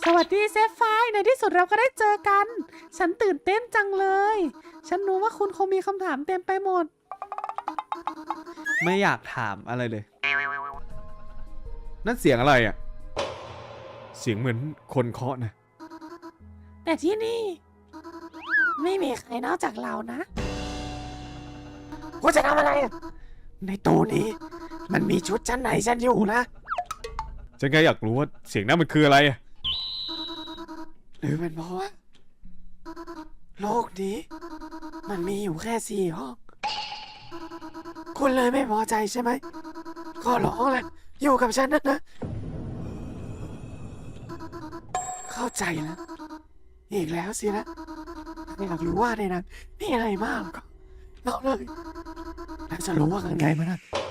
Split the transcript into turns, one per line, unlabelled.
สวัสดีเซฟไฟร์ในที่สุดเราก็ได้เจอกัน ฉันตื่นเต้นจังเลย ฉันรู้ว่าคุณคงมีคำถามเต็มไปหมด
ไม่อยากถามอะไรเลย นั่นเสียงอะไรอ่ะ เสียงเหมือนคนเคาะนะ
แต่ที่นี่ ไม่มีใครนอกจากเรานะคุณจะทำอะไรอะในตู้นี้ มันมีชุดชั้นไหนฉันอยู่นะ
ฉันแค่อยากรู้ว่าเสียงนั้นมันคืออะไรอ่ะ
หรือเป็นเพราะว่าโลกนี้ มันมีอยู่แค่4 ห้อง คุณเลยไม่พอใจใช่ไหมก็ร้องแหละอยู่กับฉันนะ เข้าใจแล้วอีกแล้วสินะไม่อยากรู้ว่าในนั้นมีอะไรมากหรอกเราเลยแล้วจะรู้ว่าข้างในมัน